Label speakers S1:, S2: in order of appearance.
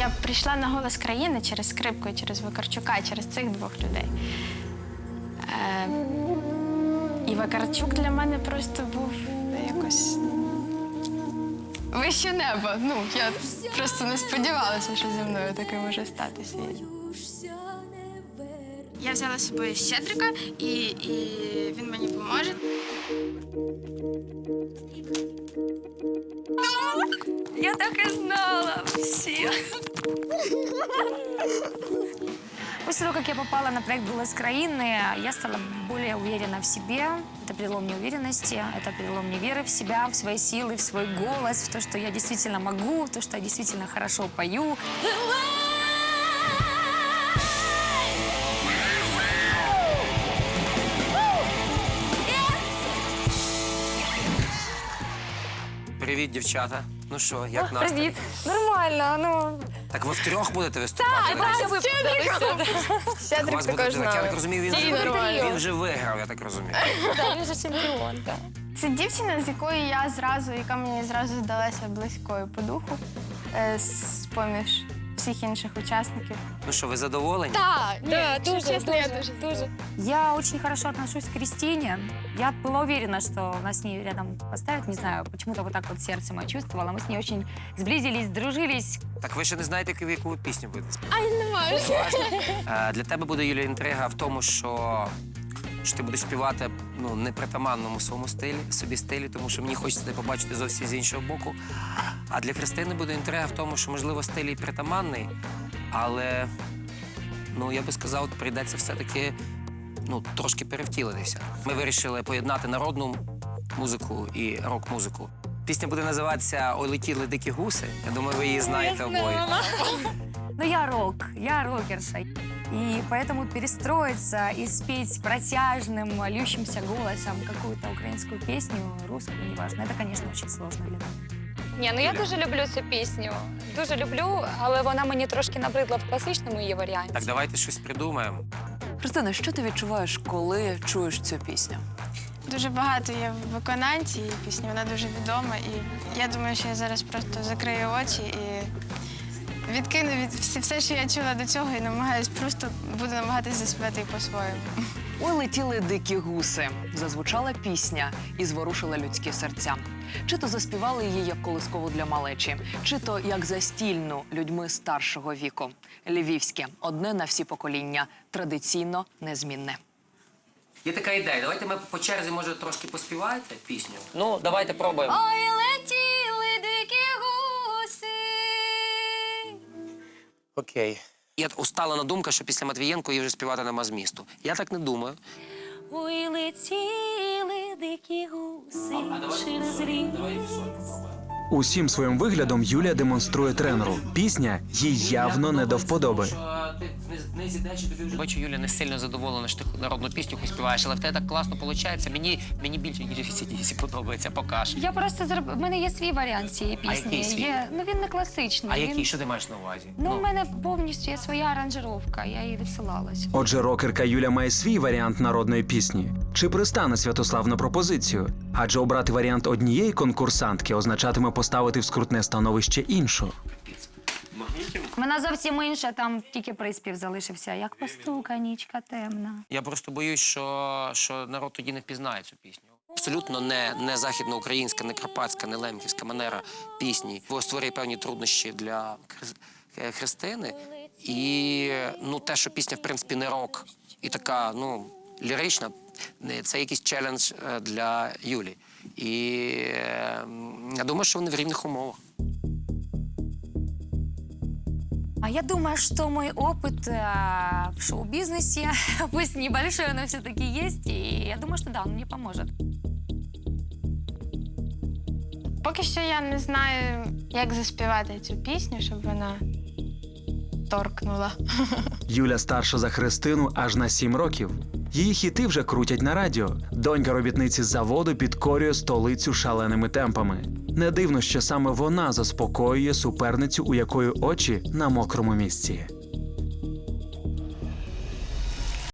S1: Я прийшла на «Голос країни» через Скрипку, і через Вакарчука, через цих двох людей. І Вакарчук для мене просто був якось вище неба. Ну, я просто не сподівалася, що зі мною таке може статися. Я взяла з собою Щедрика, і він мені поможе. Я так и знала, все.
S2: После того, как я попала на проект «Голос краины», я стала более уверена в себе. Это перелом неуверенности, это перелом неверы в себя, в свои силы, в свой голос, в то, что я действительно могу, в то, что я действительно хорошо пою.
S3: Привіт, дівчата. Ну що, як настрій?
S2: Привет. Нормально, ну...
S3: Так ви втрьох будете виступати?
S1: Щедрик
S3: У вас буде
S1: також
S3: так. Я так
S1: знав.
S3: розумію, він вже виграв, я так розумію.
S2: Да, він же чемпіон, так.
S1: Це дівчина, з якою я зразу, яка мені зразу здалася близькою по духу, з-поміж всіх інших учасників.
S3: Ну що, ви задоволені?
S1: Да, дуже.
S2: Я очень хорошо отношусь к Кристине. Я была уверена, что нас с ней рядом поставят. Не знаю, почему-то вот так вот сердце мое чувствовало. Мы с ней очень сблизились, дружились.
S3: Так ви ще не знаєте, яку ви пісню будете співати?
S1: А я не можу.
S3: Для тебе буде, Юлія, інтрига в тому, що ти будеш співати не притаманному своєму собі стилі, тому що мені хочеться тебе побачити зовсім з іншого боку. А для Христини буде інтрига в тому, що, можливо, стиль і притаманний, але, я би сказав, прийдеться все-таки трошки перевтілитися. Ми вирішили поєднати народну музику і рок-музику. Пісня буде називатися «Ой, летіли дикі гуси». Я думаю, ви її знаєте обоє.
S2: Но я рокерша. И поэтому перестроиться и спеть протяжным, льющимся голосом какую-то украинскую песню, русскую, неважно, это, конечно, очень сложно для меня.
S4: Ні, ну я дуже люблю цю пісню. Дуже люблю, але вона мені трошки набридла в класичному її варіанті.
S3: Так, давайте щось придумаємо.
S5: Христина, що ти відчуваєш, коли чуєш цю пісню?
S1: Дуже багато є виконань цієї пісні, вона дуже відома. І я думаю, що я зараз просто закрию очі і відкину все, що я чула до цього, і буду намагатися заспівати по-своєму.
S5: «Ой, летіли дикі гуси» зазвучала пісня і зворушила людські серця. Чи то заспівали її як колискову для малечі, чи то як застільну людьми старшого віку. Львівське – одне на всі покоління, традиційно незмінне.
S3: Є така ідея. Давайте ми по черзі, може, трошки поспіваєте пісню? Ну, давайте пробуємо.
S2: Ой, летіли дикі гуси.
S3: Окей. Є усталена думка, що після Матвієнко її вже співати нема змісту. Я так не думаю.
S2: Ой, летіли дикі гуси через рік.
S6: Усім своїм виглядом Юлія демонструє тренеру. Пісня їй явно не до вподоби.
S3: Бачу, Юля не сильно задоволена, що ти народну пісню хоч співаєш, але в тебе так класно виходить. Мені більше, ніж ACDC подобається, покаж.
S2: Я просто в мене є свій варіант цієї пісні.
S3: який свій?
S2: Він не класичний.
S3: А який? Що ти маєш на увазі?
S2: У мене повністю є своя аранжировка, я її відсилалась.
S6: Отже, рокерка Юля має свій варіант народної пісні. Чи пристане Святослав на пропозицію? Адже обрати варіант однієї конкурсантки означатиме поставити в скрутне становище іншу.
S2: Вона зовсім інша, там тільки приспів залишився. Як постука, нічка темна.
S3: Я просто боюсь, що народ тоді не впізнає цю пісню. Абсолютно не західноукраїнська, не карпатська, не лемківська манера пісні. Створює певні труднощі для Христини. І те, що пісня, в принципі, не рок і така, лірична, це якийсь челендж для Юлі. І я думаю, що вони в рівних умовах.
S2: А я думаю, что мой опыт в шоу-бизнесе, пусть небольшой, но все-таки есть, и я думаю, что да, он мне поможет.
S1: Поки що я не знаю, як заспівати цю пісню, щоб вона торкнула.
S6: Юля старша за Христину аж на 7 років. Її хіти вже крутять на радіо. Донька робітниці заводу підкорює столицю шаленими темпами. Не дивно, що саме вона заспокоює суперницю, у якої очі на мокрому місці.